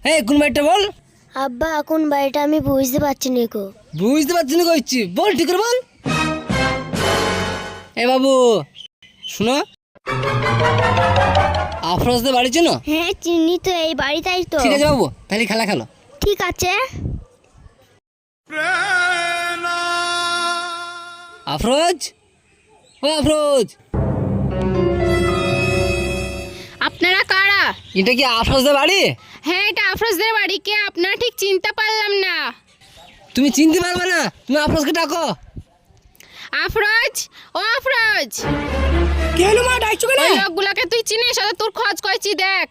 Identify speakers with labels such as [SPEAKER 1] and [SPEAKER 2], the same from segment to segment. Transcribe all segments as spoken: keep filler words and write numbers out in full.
[SPEAKER 1] হ্যাঁ কোন বাড়িটা বল।
[SPEAKER 2] আব্বা কোন বাড়িটা আমি বুঝতে পারছি না গো।
[SPEAKER 1] বুঝতে পারছি না কইছি, বল ঠিক করে বল। এ বাবু শুনো, আফরোজদের বাড়ি চেনো?
[SPEAKER 2] হ্যাঁ চিনি তো, এই বাড়িটাই তো।
[SPEAKER 1] ঠিক আছে বাবু, তাহলে খেলা খেলো।
[SPEAKER 2] ঠিক আছে।
[SPEAKER 1] আফরোজ, ও আফরোজ।
[SPEAKER 3] আপনারা কারা?
[SPEAKER 1] এটা কি আফরোজদের বাড়ি?
[SPEAKER 3] হ্যাঁ এটা আফরোজদের বাড়ি। কে আপনারা? ঠিক চিনতে পারলাম না।
[SPEAKER 1] তুমি চিনতে পারবে না, তুমি আফরোজকে ডাকো।
[SPEAKER 3] আফরোজ, ও আফরোজ।
[SPEAKER 1] কি হলো মা, ডাকছো কেন?
[SPEAKER 3] ওই লোকগুলোকে তুই চিনিস? ওদের তোর খোঁজ করছি, দেখ।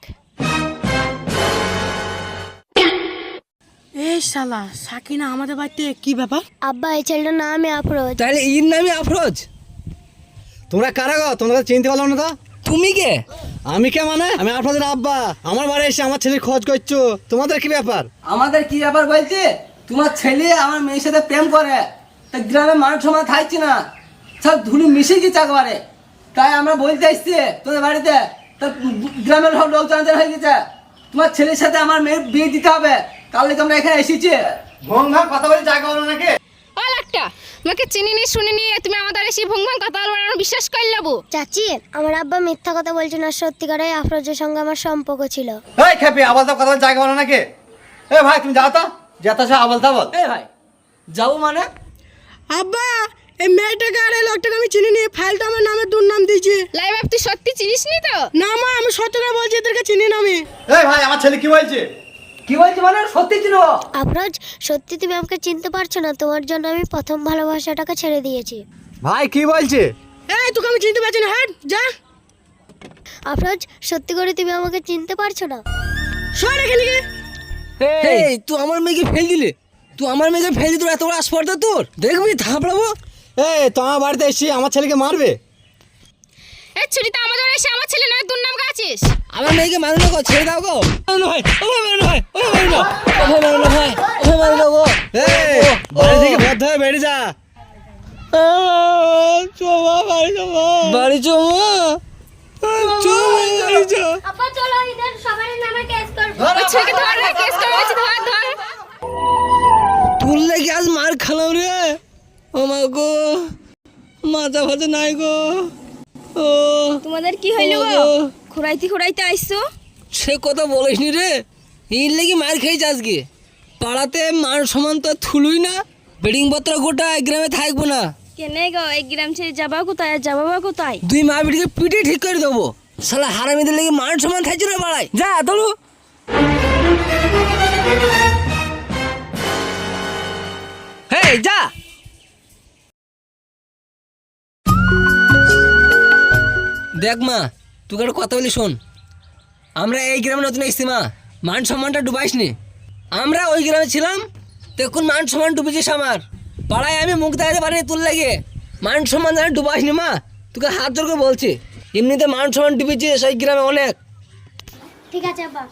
[SPEAKER 4] এ শালা সাকিনা আমাদের বাড়িতে কি ব্যাপার?
[SPEAKER 2] আব্বা এই ছেলেটার নাম আফরোজ।
[SPEAKER 1] তাহলে এর নামই আফরোজ।
[SPEAKER 5] তোমরা কারা গো? তোমরা চিনতে পারলাম না তো।
[SPEAKER 1] তুমি কে?
[SPEAKER 5] আমি কে মানে? আমি আপনাদের আব্বা। আমার বাড়ি এসে আমার ছেলের খোঁজ করছো, তোমাদের কি ব্যাপার?
[SPEAKER 1] আমাদের কি ব্যাপার বলতে, তোমার ছেলে আমার মেয়ের সাথে প্রেম করে, তা গ্রামে মানুষ সমাজ থাকছে না, সব ধুলি মিশে গেছে একবারে। তাই আমরা বলতে এসছি তোদের বাড়িতে, তা গ্রামের সব লোক জানতে হয়ে গেছে তোমার ছেলের সাথে আমার মেয়ের বিয়ে দিতে হবে, তার লেগে আমরা এখানে এসেছি।
[SPEAKER 5] ভং ভাং কথা বলে জায়গা হলো নাকি?
[SPEAKER 3] ও লোকটা তোমাকে চিনিনি শুনিনি, তুমি আমাদের এসে ভুং ভাং কথা বলবো, আমরা বিশ্বাস করে নেবো?
[SPEAKER 2] চাচি আমার আব্বা মিথ্যা কথা বলছে না, সত্যিকারের আফরোজের সঙ্গে আমার সম্পর্ক ছিল।
[SPEAKER 5] এই খেপি, আবার তো কথা বলে জায়গা হলো নাকি? এ ভাই তুমি যাও তো, যেতে সে আবল তাবল।
[SPEAKER 1] এই ভাই যাবো মানে?
[SPEAKER 4] আব্বা এই মেয়েটাকে আর এই লোকটাকে আমি চিনি নি, ফাইলটা আমার নামে দুর্নাম দিয়েছে।
[SPEAKER 3] লাই বাপ, তুই সত্যি চিনিস নি তো?
[SPEAKER 4] না মা, আমি সত্য করে বলছি, এদেরকে চিনি না আমি।
[SPEAKER 5] এই ভাই আমার ছেলে কি বলছে?
[SPEAKER 1] কি বলছি মানে? সত্যি ছিল।
[SPEAKER 2] আফরোজ সত্যি তুমি আমাকে চিনতে পারছো না, তোমার জন্য আমি প্রথম ভালোবাসাটাকে ছেড়ে দিয়েছি।
[SPEAKER 5] ভাই কি বলছে?
[SPEAKER 4] এই তোকে আমি চিনতে পারছি না, হাট যা।
[SPEAKER 2] আফরোজ সত্যি করে তুমি আমাকে চিনতে পারছো না?
[SPEAKER 4] সর এখানে গিয়ে।
[SPEAKER 1] এই তুই আমার মেয়েকে ফেল দিলে, তুই আমার মেয়েকে ফেল দিলি, তোর এত বড় আসপর্দা তোর, দেখবি থাপড়াবো।
[SPEAKER 5] এই তোমার বাড়িতে এসে আমার ছেলেকে মারবে?
[SPEAKER 3] এই ছুরিটা আমাদের এসে আমার ছেলে নয় দুর্নাম গাছিস।
[SPEAKER 1] আমার মেয়েকে মারো না গো, ছেড়ে দাও গো। মারো না ভাই, ও ভাই মারো না ভাই, ও ভাই মারো না, ও ভাই মারো না ভাই, ও ভাই মারো না গো।
[SPEAKER 5] এই বাড়ি থেকে বাধ্য হয়ে বেরিয়ে যা।
[SPEAKER 1] চোমা বাড়ি চোমা, বাড়ি চোমা, চোমা বাড়ি চো।
[SPEAKER 2] আপা চলো ইধর সবার নামে কেস করব।
[SPEAKER 3] ওই ছুরিকে ধর রে, কেস করে বলছি, ধর ধর।
[SPEAKER 1] তোর লাগি আজ মার খালাম রে। ও মা গো, মাথা ফাতে নাই গো। ও
[SPEAKER 3] তোমাদের কি হইল গো? খুরাইতে খুরাইতে আইছো?
[SPEAKER 1] সে কথা বলিস নি রে, এর লেগে মার খেয়েছে আজকে। পাড়াতে মান সমান তো থুলুই না, বেডিং পত্র গোটা এক গ্রামে থাকবো না।
[SPEAKER 3] কেনে গো, এই গ্রাম ছেড়ে যাবা কোথায়? আর যাবা বা কোথায়?
[SPEAKER 1] দুই মা বেটিকে পিটে ঠিক করে দেবো। শালা হারামিদের লেগে মান সমান থাকছে না পাড়ায়। যা ধরু। হেই যা। দেখ মা, তোকে একটা কথা বলি শোন, আমরা এই গ্রামে নতুন এসেছি মা, মান সম্মানটা ডুবাইস নি। আমরা ওই গ্রামে ছিলাম, দেখুন মান সম্মান ডুবেছিস আমার। পাড়ায় আমি মুখ দেখাতে পারিনি তোর লাগে, মান সম্মান যেন ডুবাইস নি মা, তোকে হাত জোর করে বলছি। এমনিতে মান সম্মান ডুবেছিস ওই গ্রামে অনেক।
[SPEAKER 2] ঠিক আছে আব্বা।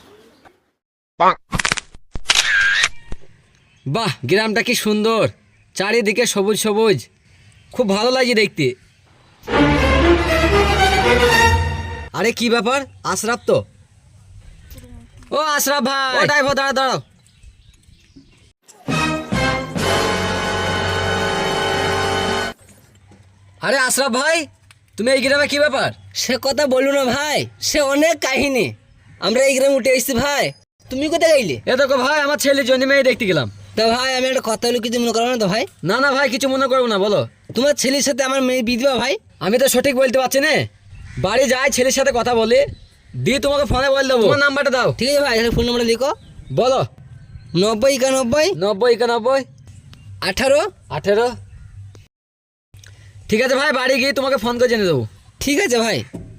[SPEAKER 1] বাহ, গ্রামটা কি সুন্দর, চারিদিকে সবুজ সবুজ, খুব ভালো লাগছে দেখতে। আরে কি ব্যাপার, আশরাফ তো? ও আশরাফ ভাই, ও ড্রাইভার দাঁড়া দাঁড়াও। আরে আশরাফ ভাই, তুমি এই গ্রামে কি ব্যাপার? সে কথা বলো না ভাই, সে অনেক কাহিনী। আমরা এই গ্রামে উঠে এসেছি ভাই, তুমি কোথায় গাইলে? এ দেখো ভাই, আমার ছেলে জন্য মেয়ে দেখতে গেলাম। তা ভাই আমি একটা কথা বলি, কিছু মনে করো না তো ভাই? না না ভাই, কিছু মনে করবো না, বলো। তোমার ছেলের সাথে আমার মেয়ে বিয়ে দিবা ভাই? আমি তো সঠিক বলতে পারছি না, বাড়ি যাই ছেলের সাথে কথা বলে দিয়ে তোমাকে ফোনে বলে দেবো। তোমার নাম্বারটা দাও। ঠিক আছে ভাই, তাহলে ফোন নাম্বারটা লিখো। বলো। নব্বই একানব্বই নব্বই একানব্বই আঠারো আঠেরো। ঠিক আছে ভাই, বাড়ি গিয়ে তোমাকে ফোন করে জেনে দেবো। ঠিক আছে ভাই।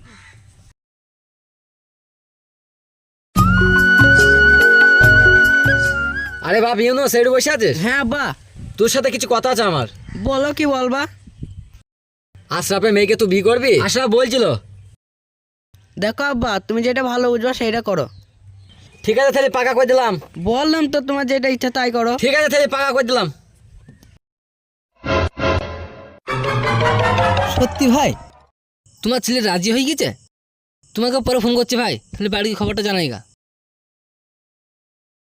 [SPEAKER 1] আরে বাপ ইউনো সাইডে বসে আছিস?
[SPEAKER 4] হ্যাঁ আব্বা।
[SPEAKER 1] তোর সাথে কিছু কথা আছে আমার।
[SPEAKER 4] বলো কি বলবা?
[SPEAKER 1] আশরাফের মেয়েকে তুই বিয়ে করবি? আশরাফ বলছিল।
[SPEAKER 4] দেখো আব্বা, তুমি যেটা ভালো বুঝবা সেটা করো।
[SPEAKER 1] ঠিক আছে তাহলে পাকা করে দিলাম।
[SPEAKER 4] বললাম তো তোমার যেটা ইচ্ছা তাই করো।
[SPEAKER 1] ঠিক আছে তাহলে পাকা করে দিলাম। সত্যি ভাই, তোমার ছেলে রাজি হয়ে গেছে? তোমাকে পরে ফোন করছি ভাই, তাহলে বাড়ির খবরটা জানাইগা।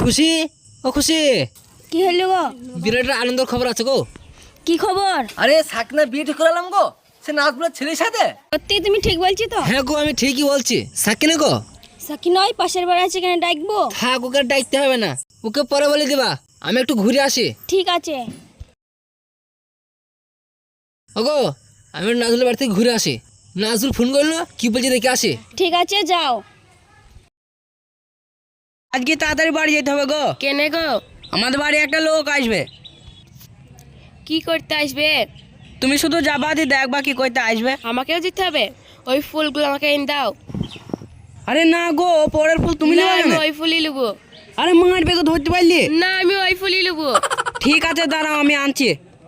[SPEAKER 1] খুশি ও খুশি,
[SPEAKER 2] কি হলো গো?
[SPEAKER 1] বিরাটের আনন্দের খবর আছে গো।
[SPEAKER 2] কি খবর?
[SPEAKER 1] আরে সাকনা বিয়ে ঠিক করালাম গো, সে নাজমুলের ছেলের সাথে।
[SPEAKER 2] সত্যি তুমি ঠিক বলছি তো?
[SPEAKER 1] হ্যাঁ গো, আমি ঠিকই বলছি। সাকিনা গো,
[SPEAKER 2] সাকি নয়, পাশের বাড়ি আছে, কেন ডাকবো?
[SPEAKER 1] থাক, ওকে আর ডাকতে হবে না, ওকে পরে বলে দিবা। আমি একটু ঘুরে আসি।
[SPEAKER 2] ঠিক আছে।
[SPEAKER 1] ওগো, আমি একটু নাজমুলের বাড়ি থেকে ঘুরে আসি। নাজমুল ফোন করলো, কি বলছে দেখে আসি।
[SPEAKER 2] ঠিক আছে, যাও।
[SPEAKER 4] আজকে তাড়াতাড়ি বাড়ি যেতে হবে গো।
[SPEAKER 2] কেনে গো?
[SPEAKER 4] আমাদের বাড়ি একটা লোক আসবে।
[SPEAKER 2] কি করতে আসবে?
[SPEAKER 4] তুমি শুধু যাবা দিয়ে দেখবা কি করতে আসবে।
[SPEAKER 2] আমাকেও যেতে হবে? ওই ফুলগুলো আমাকে এনে দাও।
[SPEAKER 4] আরে না গো, পরের ফুল তুমি
[SPEAKER 2] না,
[SPEAKER 4] নেবে
[SPEAKER 2] আমি
[SPEAKER 4] না।
[SPEAKER 2] ওই ফুলই নেবো।
[SPEAKER 4] আরে মার বেগে ধরতে পারলি?
[SPEAKER 2] না, আমি ওই ফুলই নেবো।
[SPEAKER 4] ঠিক আছে, দাঁড়াও, আমি আনছি।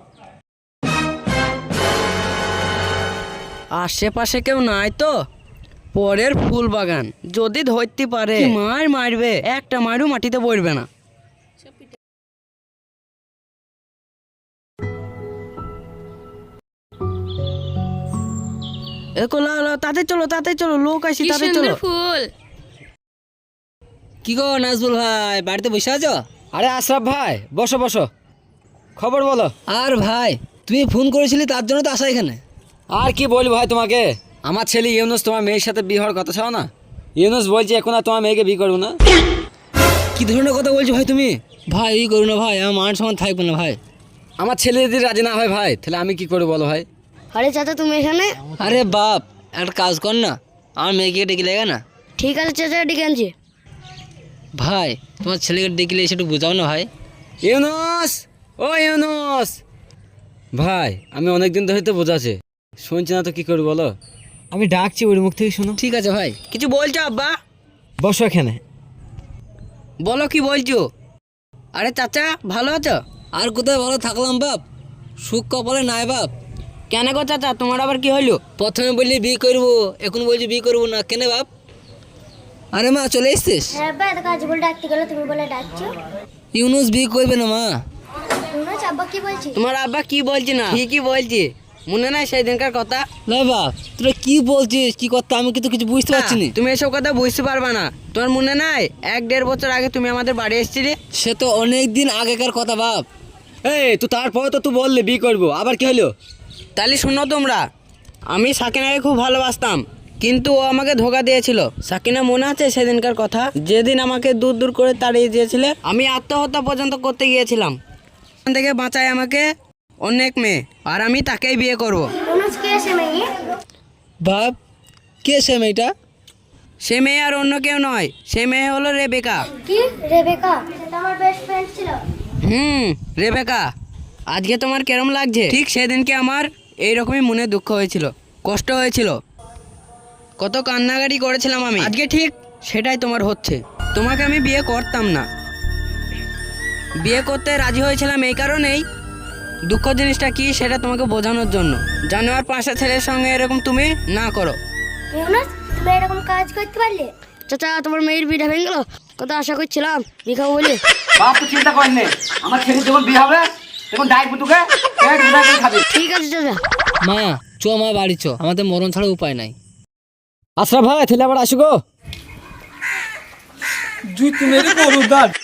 [SPEAKER 4] আশেপাশে কেউ নাই তো? পরের ফুল বাগান, যদি ধরতে পারে কি মার মারবে, একটা মারু মাটিতে পড়বে না। এরকম লাও লাও, তাতে চলো তাতে চলো, লোক আসি,
[SPEAKER 2] কি
[SPEAKER 4] তাতে
[SPEAKER 2] সুন্দর
[SPEAKER 4] চলো।
[SPEAKER 2] ফুল।
[SPEAKER 1] কি গো নাজমুল ভাই, বাড়িতে বসে আছো?
[SPEAKER 5] আরে আশরাফ ভাই, বসো বসো, খবর বলো।
[SPEAKER 1] আর ভাই, তুমি ফোন করেছিলি, তার জন্য তো আসা এখানে।
[SPEAKER 5] আর কি বলবো ভাই তোমাকে, আমার ছেলে ইউনুস তোমার মেয়ের সাথে বিয়ে হওয়ার কথা ছিল না। ইউনুস বলছে এখন আর তোমার মেয়েকে বিয়ে করবো না।
[SPEAKER 1] কি ধরনের কথা বলছো ভাই তুমি? ভাই এই করো না ভাই, আমার মান সম্মান থাকবে না ভাই।
[SPEAKER 5] আমার ছেলে যদি রাজি না হয় ভাই, তাহলে আমি কি করে বলো ভাই।
[SPEAKER 2] আরে চাচা, তুমি এখানে?
[SPEAKER 1] আরে বাপ, একটা কাজ কর না, আমার মেয়েকে ডেকে লেগে না।
[SPEAKER 2] ঠিক আছে চাচা, ডেকে আনছি।
[SPEAKER 1] ভাই, তোমার ছেলেকে ডেকে এসে একটু বোঝাও না ভাই।
[SPEAKER 5] ইউনুস, ও ইউনুস ভাই, আমি অনেকদিন ধরে তো বোঝাচ্ছে, শুনছি না তো কি করবো বলো। আমি ডাকছি, ওর মুখ থেকে শোনো।
[SPEAKER 1] ঠিক আছে ভাই।
[SPEAKER 4] কিছু বলছো আব্বা?
[SPEAKER 5] বসো এখানে।
[SPEAKER 4] বলো কি বলছো? আরে চাচা, ভালো আছো?
[SPEAKER 1] আর কোথায় ভালো থাকলাম বাপ, সুখ কপালে নাই বাপ।
[SPEAKER 4] কেন গো চাচা, তোমার আবার কি হইলো?
[SPEAKER 1] প্রথমে বললি বিয়ে করবো, এখন বলছি বিয়ে করবো না, কেন বাপ? আরে মা, চলে এসছিস?
[SPEAKER 2] হ্যাঁ বা, কাজ বলে ডাকতে গেলে তুমি বলে ডাকছো।
[SPEAKER 1] ইউনুস বিয়ে করবে না মা।
[SPEAKER 2] তোমরা আব্বা কি বলছি?
[SPEAKER 4] তোমার আব্বা কি বলছি না, ঠিকই বলছি। মনে নাই সেই দিনকার কথা?
[SPEAKER 1] না বাপ, তোরা কি বলছিস, কি কথা আমি কিন্তু কিছু বুঝতে পারছি না।
[SPEAKER 4] তুমি এসব কথা বুঝতে পারবা না। তোমার মনে নাই এক দেড় বছর আগে তুমি আমাদের বাড়ি এসেছিলে?
[SPEAKER 1] সে তো অনেক দিন আগেকার কথা বাপ।
[SPEAKER 5] এই তো তারপরে তো তুই বললি বিয়ে করবো, আবার কি হলো?
[SPEAKER 4] তাহলে শোনো তোমরা, আমি সাকিনাকে খুব ভালোবাসতাম, কিন্তু ও আমাকে ধোকা দিয়েছিল। সাকিনা মনে আছে সেদিনকার কথা, যেদিন আমাকে দূর দূর করে তাড়িয়ে দিয়েছিলে? আমি আত্মহত্যা পর্যন্ত করতে গিয়েছিলাম। ওখান থেকে বাঁচায় আমাকে অনেক মেয়ে, আর আমি তাকেই বিয়ে করব।
[SPEAKER 2] অনুজ কে এসে মেয়ে?
[SPEAKER 1] বাপ, কে সে মেয়েটা?
[SPEAKER 4] সে মেয়ে আর অন্য কেউ নয়, সে মেয়ে হলো রেবেকা।
[SPEAKER 2] কি রেবেকা? সেটা আমার বেস্ট ফ্রেন্ড ছিল।
[SPEAKER 4] হুম, রেবেকা। আজকে তোমার কেরম লাগছে? ঠিক সেদিনকে আমার এইরকমই মনে দুঃখ হয়েছিল, কষ্ট হয়েছিল, কত কান্নাকাটি করেছিলাম আমি। আজকে ঠিক সেটাই তোমার হচ্ছে। তোমাকে আমি বিয়ে করতাম না, বিয়ে করতে রাজি হয়েছিলাম এই কারণেই, দুঃখ জিনিসটা কি সেটা তোমাকে বোঝানোর জন্য। জানোয়ার পাঁচটা ছেলের সঙ্গে এরকম তুমি না করো।
[SPEAKER 2] ইউনুস, তুমি এরকম কাজ করতে পারলে? চাচা, তোমার মেয়ের বিয়ে ভেঙে গেল, কত আশা করছিলাম বিয়ে খাবো বলে।
[SPEAKER 5] বাপ তো চিন্তা করেন, আমার ছেলে যখন বিয়ে হবে তখন ডাকবো তোকে, খাবি।
[SPEAKER 2] ঠিক আছে চাচা।
[SPEAKER 1] মা চ, মা বাড়ি চ, আমাদের মরণ ছাড়া উপায় নাই।
[SPEAKER 5] আশরাফ ভাই, তাহলে আবার আসো গো।
[SPEAKER 1] জুই তুমি